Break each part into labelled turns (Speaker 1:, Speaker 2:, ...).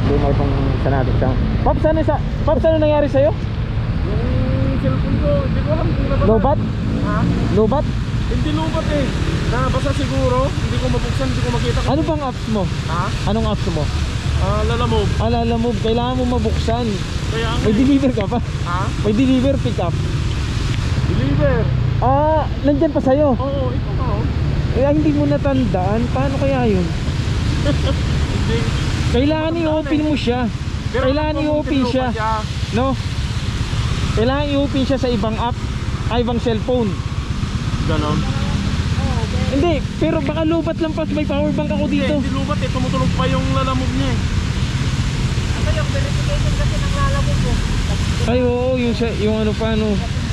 Speaker 1: problema itong sa natin sa Pops, ano nangyari sa'yo?
Speaker 2: Yung cellphone ko, hindi ko alam kung nabasa.
Speaker 1: Lobat?
Speaker 2: Ha?
Speaker 1: Lobat?
Speaker 2: Hindi lubat eh. Nabasa siguro, hindi ko mabuksan, hindi ko makita.
Speaker 1: Ano bang apps mo?
Speaker 2: Ha?
Speaker 1: Anong apps mo?
Speaker 2: Lalamove.
Speaker 1: Lalamove, kailangan mo mabuksan.
Speaker 2: Kaya
Speaker 1: May deliver ka pa?
Speaker 2: Ha?
Speaker 1: May deliver pick up.
Speaker 2: Deliver.
Speaker 1: Nandyan pa sa'yo.
Speaker 2: Oo, ito ka oh.
Speaker 1: Hindi mo natandaan. Paano kaya yun?
Speaker 2: Hindi.
Speaker 1: Kailangan i-open mo siya.
Speaker 2: Pero
Speaker 1: Kailangan i-open siya. No? Kailangan i-open siya sa ibang app, ibang cellphone.
Speaker 2: Ganon.
Speaker 1: Hindi, pero baka lubat lang pa. May power bank ako dito.
Speaker 2: Hindi lubat eh, tumutulog pa yung lalamove niya eh.
Speaker 3: Ano yung verification kasi ng Lalamove mo?
Speaker 1: Ay oo, yung ano pa ano.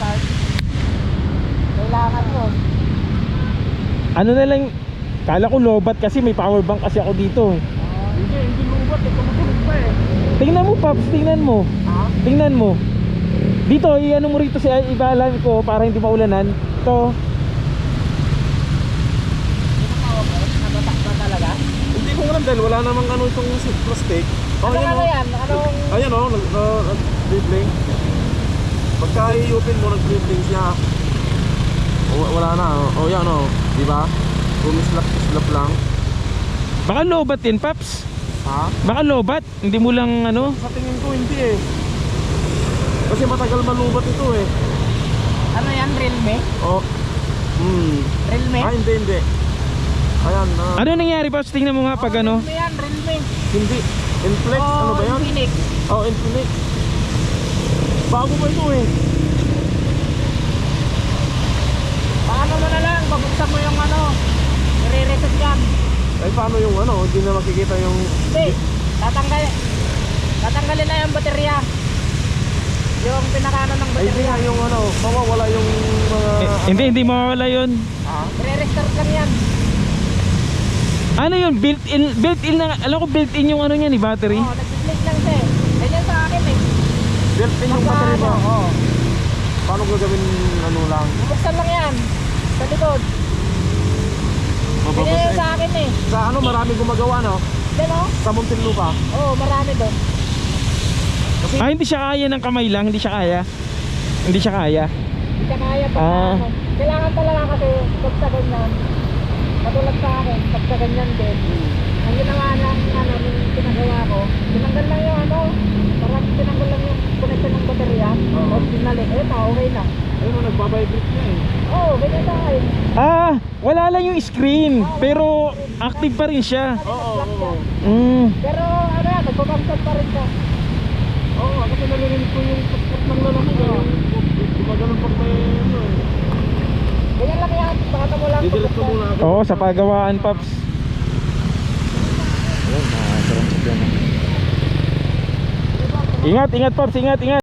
Speaker 3: Kailangan mo.
Speaker 1: Ano na lang, kala ko lobat kasi may power bank kasi ako dito.
Speaker 2: Hindi lubat eh, tumutulog pa eh.
Speaker 1: Tingnan mo Pops, tingnan mo.
Speaker 2: Ha?
Speaker 1: Tingnan mo. Dito, i-ano mo rito si ibalan ko para hindi maulanan. Ito.
Speaker 3: Nabatak ba talaga?
Speaker 2: Hindi ko alam dahil wala namang ano itong plastic.
Speaker 3: Ano
Speaker 2: ayan,
Speaker 3: ano
Speaker 2: oh.
Speaker 3: yan? Anong...
Speaker 2: Ayan o, nag-dribbling. Pagka i-open mo, nag-dribbling siya. Wala na, o yan o, diba? Bumislap lang.
Speaker 1: Baka lobat din Pops.
Speaker 2: Ha?
Speaker 1: Baka lobat, hindi mo lang ano.
Speaker 2: Sa tingin ko hindi eh. Kasi matagal malubat ito eh.
Speaker 3: Ano yan? Realme?
Speaker 2: O,
Speaker 3: Realme?
Speaker 2: hindi. Ayan,
Speaker 1: Ano nangyari Pops? Tingnan mo nga pag ano.
Speaker 3: Realme yan, Realme.
Speaker 2: hindi. Inflex, ano ba yan?
Speaker 3: Infinix.
Speaker 2: Infinix. Bago pa ito eh.
Speaker 3: Paano mo na lang? Babuksan mo yung ano? I-reset yan.
Speaker 2: Ay paano yung ano, hindi na makikita yung...
Speaker 3: Hindi. Tatanggalin na yung baterya. Yung pinakano ng
Speaker 2: Ay hindi
Speaker 3: baterya.
Speaker 2: nga yung ano, mawawala yung mga...
Speaker 1: Hindi mawawala yun.
Speaker 2: Ha?
Speaker 3: I-restart lang yan.
Speaker 1: Ano yun? Built-in na, alam ko built-in yung ano niya ni battery.
Speaker 3: Oo, nag-split lang siya eh. Ganyan sa akin eh.
Speaker 2: Built-in yung battery mo.
Speaker 3: Oo.
Speaker 2: Paano gagawin ano lang?
Speaker 3: Bubuksan lang yan. Sa likod. Ganyan
Speaker 2: Mababasa
Speaker 3: sa
Speaker 2: eh.
Speaker 3: akin eh.
Speaker 2: Sa ano, maraming gumagawa no?
Speaker 3: Diyan o?
Speaker 2: Sa Muntinlupa.
Speaker 3: Oo, marami doon.
Speaker 2: Kasi
Speaker 1: Hindi siya kaya ng kamay lang, hindi siya kaya. Hindi siya kaya.
Speaker 3: Hindi ka kaya pa
Speaker 1: Ah.
Speaker 3: ano. Kailangan talaga kasi pag sa ganyan. Katulad sa akin, pag sa ganyan din. Ang ginawa lang, ano, yung pinagawa ko, tinanggal lang yung ano, parang tinanggal lang yung connection ng baterya.
Speaker 2: Oo.
Speaker 3: Tapos pinalik, okay na.
Speaker 2: ayun, nagbabibrate na eh.
Speaker 3: Oo, ganyan sa akin.
Speaker 1: Wala lang yung screen, pero active pa rin siya.
Speaker 2: Oo.
Speaker 3: Pero ano yan, nagpapangkat pa rin siya.
Speaker 2: Oo, kasi nalilinig ko yung pagkat ng lalamig eh. Gumaganon pag may ano eh.
Speaker 3: Ganyan lang yan, pakata mo lang.
Speaker 2: Didelete ko muna ako.
Speaker 1: Oo, sa pagawaan Pops. Ingat Pops, ingat.